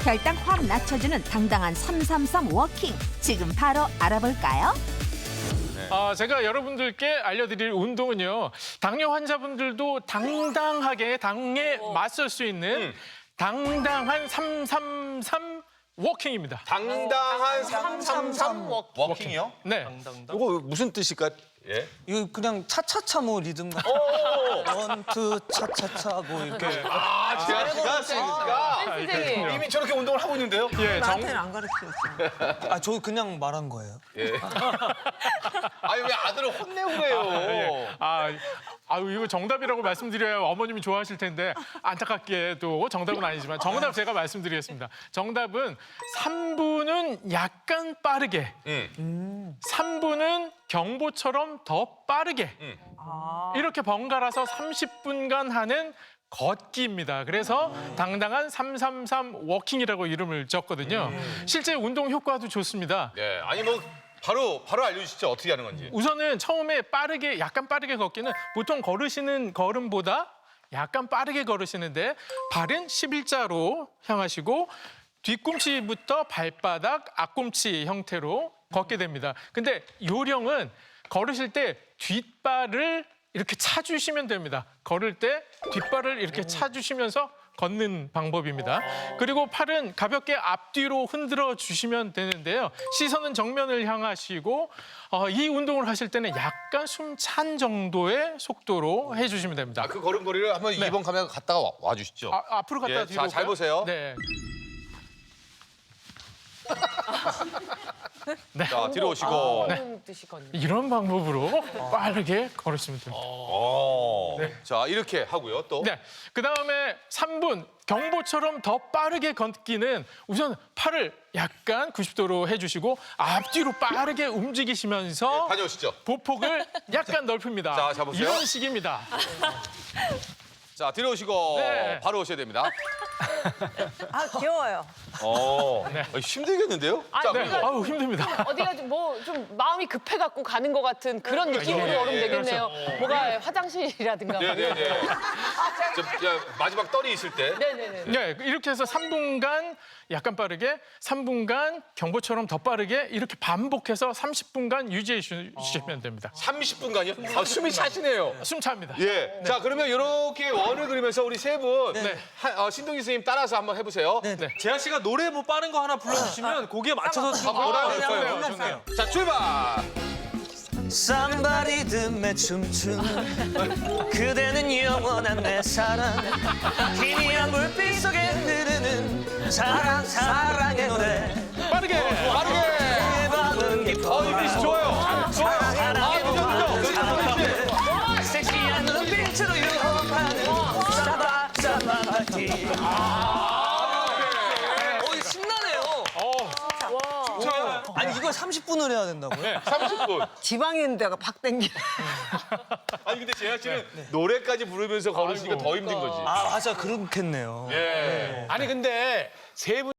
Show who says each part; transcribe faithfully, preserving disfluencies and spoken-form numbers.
Speaker 1: 혈당 확 낮춰주는 당당한 삼삼삼 워킹. 지금 바로 알아볼까요?
Speaker 2: 아, 제가 여러분들께 알려드릴 운동은요. 당뇨 환자분들도 당당하게 당에 맞설 수 있는 당당한 삼삼삼 워킹입니다.
Speaker 3: 당당한 삼삼삼 워킹이요?
Speaker 2: 네.
Speaker 3: 이거 무슨 뜻일까? 예.
Speaker 4: 이거 그냥 차차차 뭐 리듬 같은 원투 차차차 뭐 이렇게
Speaker 3: 아, 제가 기가 쓰니까 이미 저렇게 운동을 하고 있는데요?
Speaker 2: 예, 정,
Speaker 4: 나한테는 안 가르쳤어. 아, 저 그냥 말한 거예요.
Speaker 3: 예. 아니 왜 아들을 혼내고 그래요?
Speaker 2: 아, 아유, 이거 정답이라고 말씀드려야 어머님이 좋아하실 텐데 안타깝게도 정답은 아니지만 정답 제가 말씀드리겠습니다. 정답은 삼 분은 약간 빠르게,
Speaker 3: 응.
Speaker 2: 삼 분은 경보처럼 더 빠르게
Speaker 3: 응.
Speaker 2: 이렇게 번갈아서 삼십 분간 하는 걷기입니다. 그래서 당당한 삼삼삼 워킹이라고 이름을 지었거든요. 실제 운동 효과도 좋습니다.
Speaker 3: 네. 아니 뭐 바로 바로 알려주시죠. 어떻게 하는 건지.
Speaker 2: 우선은 처음에 빠르게 약간 빠르게 걷기는 보통 걸으시는 걸음보다 약간 빠르게 걸으시는데 발은 십일자로 향하시고 뒤꿈치부터 발바닥, 앞꿈치 형태로 걷게 됩니다. 근데 요령은 걸으실 때 뒷발을 이렇게 차주시면 됩니다. 걸을 때 뒷발을 이렇게 차주시면서 걷는 방법입니다. 그리고 팔은 가볍게 앞뒤로 흔들어 주시면 되는데요. 시선은 정면을 향하시고 어, 이 운동을 하실 때는 약간 숨 찬 정도의 속도로 해주시면 됩니다.
Speaker 3: 아, 그 걸음걸이를 한번 이 번 카메라 갔다가 와, 와 주시죠.
Speaker 2: 아, 앞으로 갔다
Speaker 3: 예,
Speaker 2: 뒤로
Speaker 3: 자, 잘
Speaker 2: 올까요?
Speaker 3: 보세요.
Speaker 2: 네.
Speaker 3: 자, 뒤로 오시고.
Speaker 5: 그런 뜻이거든요.
Speaker 2: 이런 방법으로 빠르게 걸으시면 됩니다.
Speaker 3: 오. 자, 이렇게 하고요. 또.
Speaker 2: 네. 그 다음에 삼 분 경보처럼 더 빠르게 걷기는 우선 팔을 약간 구십 도로 해주시고 앞뒤로 빠르게 움직이시면서
Speaker 3: 네, 다녀오시죠.
Speaker 2: 보폭을 약간 넓힙니다.
Speaker 3: 자, 잡으세요.
Speaker 2: 이런 식입니다.
Speaker 3: 자, 뒤로 오시고
Speaker 2: 네.
Speaker 3: 바로 오셔야 됩니다.
Speaker 5: 아, 귀여워요.
Speaker 3: 어. 어, 힘들겠는데요?
Speaker 5: 아,
Speaker 3: 자,
Speaker 5: 네.
Speaker 3: 그리고
Speaker 2: 아우 힘듭니다.
Speaker 5: 어디가 뭐 좀 마음이 급해갖고 가는 것 같은 그런 느낌으로
Speaker 2: 예,
Speaker 5: 걸으면
Speaker 2: 예,
Speaker 5: 되겠네요. 뭐가 화장실이라든가. 뭐 이런
Speaker 3: 네네네. 저, 야, 마지막 떨이 있을 때.
Speaker 5: 네네네.
Speaker 2: 네, 이렇게 해서 삼 분간 약간 빠르게, 삼 분간 경보처럼 더 빠르게 이렇게 반복해서 삼십 분간 유지해 주시면 됩니다.
Speaker 3: 삼십 분간이요? 아, 숨이 차시네요.
Speaker 2: 숨 차입니다.
Speaker 3: 예. 자, 그러면 이렇게 원을 그리면서 우리 세 분,
Speaker 2: 네.
Speaker 3: 한- 어, 신동기 선생님 따라서 한번 해보세요.
Speaker 2: 네.
Speaker 4: 재하 씨가 노래 뭐 빠른 거 하나 불러주시면 거기에 맞춰서 좀
Speaker 3: 뭐라
Speaker 4: 네,
Speaker 3: 그럴까요?
Speaker 4: 한번 해볼게요.
Speaker 3: 자, 출발!
Speaker 4: Somebody 듬에 춤추는 그대는 영원한 내 사랑 희미한 불빛 속에 흐르는 사랑 사랑의 노래
Speaker 2: 빠르게!
Speaker 3: 빠르게!
Speaker 4: 이 밤은 깊어
Speaker 3: 어, 이미 좋아요. 좋아요. 아,
Speaker 4: 사랑의
Speaker 3: 그죠, 그죠.
Speaker 4: 섹시한 눈빛으로 유혹하는 사바 사바 파티 어, 신나네요.
Speaker 2: 어,
Speaker 4: 아니 이걸 삼십 분을 해야 된다고요?
Speaker 3: 삼십 분.
Speaker 5: 지방에 있는 데가 박 땡기.
Speaker 3: 아니, 근데 재하 씨는 노래까지 부르면서 걸으시니까 더 힘든 거지.
Speaker 4: 아 맞아 그렇겠네요.
Speaker 3: 예.
Speaker 6: 아니 근데 세 분